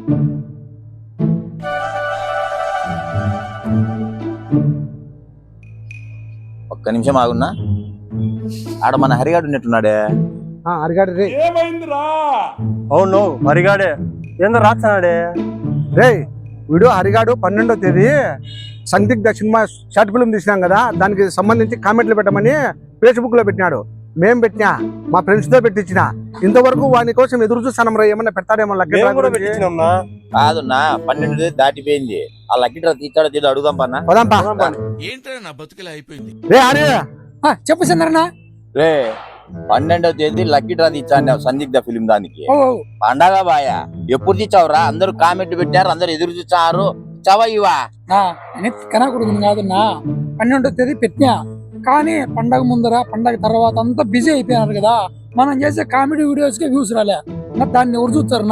ఒక్క నిమిషం ఆగున్నా. ఆడ మన హరిగాడు ఉన్నట్టున్నాడే. హరిగాడు రే. ఏమైందిరా? అవును హరిగాడే. ఏందో రాస్తున్నాడే రే. వీడియో హరిగాడు 12వ తేదీ సందిగ్ధ సినిమా షార్ట్ ఫిల్మ్ తీసినాం కదా, దానికి సంబంధించి కామెంట్లు పెట్టమని ఫేస్బుక్ లో పెట్టినాడు. మేం పెట్టినా, మా ఫ్రెండ్స్ తో పెట్టించిన. ఇంతవరకు వాని కోసం ఎదురు చూస్తానం రా, ఏమన్నా పెడతాడేమో. కాదున్నా, 12 దాటిపోయింది. ఆ లక్కీ డ్రా తీస్తాడో తీదో అడుగుదాం పన్నా. ఏంటంటే నా బతుకులా అయిపోయింది. రే హరి, చెప్పు చంద్రన్న. రే 12వ తేదీ లక్కీ డ్రా తీర్చాను సందిగ్ధ ఫిలిం దానికి. పండగ బాయా ఎప్పుడు తీర్చావురా? అందరూ కామెంట్ పెట్టారు, అందరు ఎదురు చూచారు. చవా ఇవా కనా కొడుకుని కాదన్నా, 12వ తేదీ పెట్టినా. కానీ పండగ ముందర పండగ తర్వాత అంతా బిజీ అయిపోయినారు కదా, మనం చేసే కామెడీ వీడియోస్ కి వ్యూస్ రాలే. దాన్ని ఎవరు చూస్తారన్నా?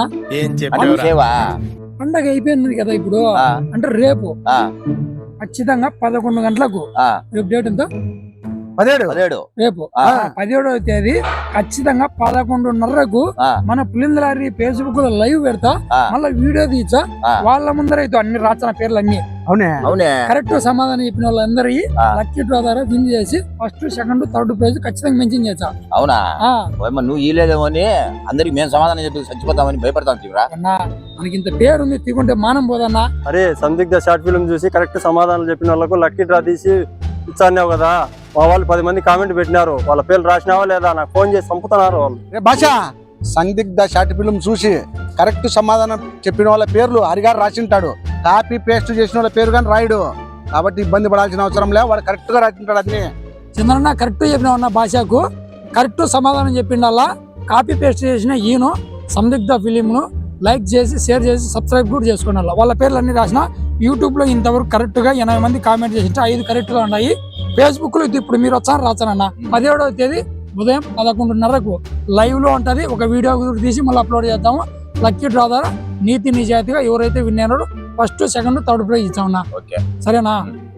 పండగ అయిపోయింది కదా ఇప్పుడు, అంటే రేపు ఖచ్చితంగా 11 గంటలకు. రేపు డేట్ ఎంత? 17. రేపు 17వ తేదీ ఖచ్చితంగా 11:30కు మన పులిందలారి ఫేస్బుక్ లో లైవ్ పెడతా. మళ్ళీ వీడియో తీసా, వాళ్ళ ముందర అయితే అన్ని రాసిన పేర్లు అన్ని అవునే కరెక్ట్ సమాధానం చెప్పిన వాళ్ళందరి లక్కీ డ్రా ద్వారా విన్ చేసి ఫస్ట్, సెకండ్, థర్డ్ ప్రైజ్ ఖచ్చితంగా మెన్షన్ చేసా. అవునా? నువ్వు ఇలేదేమో అని అందరికి మేము సమాధానం చెప్పి చచ్చిపోతామని భయపడతాం. మనకి ఇంత పేరు ఉంది, తీకుంటే మానం పోదన్నా. అరే సందిగ్ధ షార్ట్ ఫిల్మ్ చూసి కరెక్ట్ సమాధానం చెప్పిన వాళ్ళకు లక్కీ డ్రా తీసి ఇచ్చాన్నావు కదా. మా వాళ్ళు 10 మంది కామెంట్ పెట్టినారు. వాళ్ళ పేర్లు రాసినావా లేదా? నాకు ఫోన్ చేసి చంపుతున్నారు వాళ్ళు. భాష సందిగ్ధ షార్ట్ ఫిల్మ్ చూసి కరెక్ట్ సమాధానం చెప్పిన వాళ్ళ పేర్లు హరిగారు రాసింటాడు. కాపీ పేస్ట్ చేసిన వాళ్ళ పేరు కానీ రాయడు. కాబట్టి ఇబ్బంది పడాల్సిన అవసరం లేదు, వాడు కరెక్ట్ గా రాసింటాడు. అన్ని చంద్రన్న కరెక్ట్ చెప్పిన ఉన్న భాషకు కరెక్ట్ సమాధానం చెప్పిండల్లా. కాపీ పేస్ట్ చేసిన ఈయన సందిగ్ధ ఫిలిం ను లైక్ చేసి, షేర్ చేసి, సబ్స్క్రైబ్ కూడా చేసుకోండి. వాళ్ళ పేర్లు అన్ని రాసిన. యూట్యూబ్ లో ఇంతవరకు కరెక్ట్ గా 80 మంది కామెంట్ చేసి 5 కరెక్ట్ గా ఉన్నాయి. ఫేస్బుక్ లో ఇప్పుడు మీరు వచ్చారు రాచానన్న. 17వ తేదీ ఉదయం 11:30కు లైవ్ లో ఉంటది. ఒక వీడియో తీసి మళ్ళీ అప్లోడ్ చేద్దాము. లక్కీ డ్రా ద్వారా నీతి నిజాయితీగా ఎవరైతే విన్ అయినారో ఫస్ట్, సెకండ్, థర్డ్ ప్రైజ్ ఇచ్చామన్నా. సరేనా?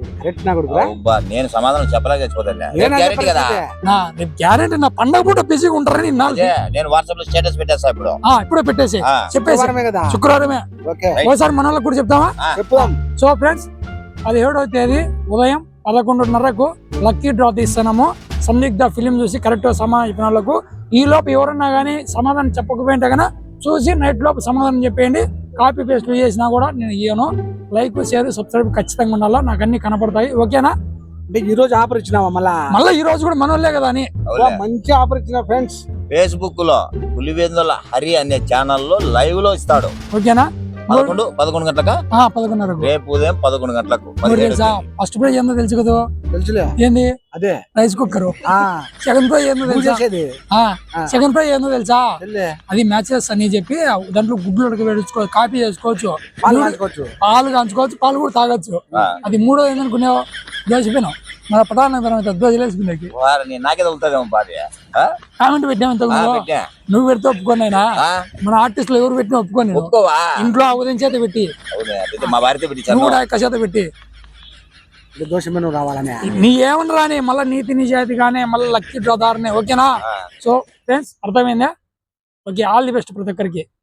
నేను సమాధానం చెప్పలేక గ్యారెంటీ. నా పండగ పూట బిజీగా ఉంటారని నేను వాట్సాప్ లో స్టేటస్ పెట్టేస్తా. ఇప్పుడే పెట్టేసి చెప్పేసి శుక్రవారమే ఒకసారి మన వాళ్ళకి కూడా చెప్తామా? సో ఫ్రెండ్స్, 17వ తేదీ ఉదయం 11:30కు లక్కీ డ్రా తీస్తున్నాము. సందిగ్ధ ఫిలిం చూసి కరెక్ట్ సమాధానం చెప్పిన వాళ్ళకు. ఈ లోపు ఎవరన్నా గానీ సమాధానం చెప్పకపోయింటే కన్నా చూసి నైట్ లోపు సమాధానం చెప్పేయండి. కాపీ పేస్ట్ చేసినా కూడా నేను ఇయ్యను. లైక్, షేర్, సబ్స్క్రైబ్ ఖచ్చితంగా ఉండాలా. నాకు అన్ని కనపడతాయి. ఓకేనా? అంటే ఈ రోజు ఆఫర్ ఇచ్చినావా? మళ్ళీ ఈ రోజు కూడా మనోళ్ళే కదా అని మంచి ఆఫర్ ఇచ్చిన ఫ్రెండ్స్. ఫేస్బుక్ లో పులివెందుల హరి అనే ఛానల్లో లైవ్ లో ఇస్తాడు. ఓకేనా? 11 గంటలకా? 11:30 రేపు ఉదయం 11 గంటలకు. ఫస్ట్ ప్రైజ్ ఏందో తెలుసు కదా? తెలుసులే. ఏంది? అదే రైస్ కుక్కర్. సెకండ్ ప్రైజ్ ఏందో తెలుసా? సెకండ్ ప్రైజ్ ఏందో తెలుసా? అది మ్యాచెస్ అని చెప్పి దాంట్లో గుడ్లు ఉడకబెట్టుకోవచ్చు, కాపీ చేసుకోవచ్చు, పాలు కాంచుకోవచ్చు, పాలు కూడా తాగొచ్చు. అది మూడో ఏందనుకునేవా? దోసిపోయినావు మన పటాన తర్వాత దోశలేసుకునేకి నాకే తగులుతుందేమో భార్య. కామెంట్ పెట్టామంత నువ్వు పెడితే ఒప్పుకోనైనా. మన ఆర్టిస్టులు ఎవరు పెట్టినా ఒప్పుకోని. ఇంట్లో ఉదయం చేత పెట్టి, మా భార్యతో నువ్వు కూడా ఎక్క చేత పెట్టి దోషమైన రావాలని నీ ఏమన్నా రాని. మళ్ళీ నీతి నిజాయితీ కానీ మళ్ళీ లక్కీ డ్రా దారనే. ఓకేనా? సో ఫ్రెండ్స్, అర్థమైందా? ఓకే, ఆల్ ది బెస్ట్ ప్రతి ఒక్కరికి.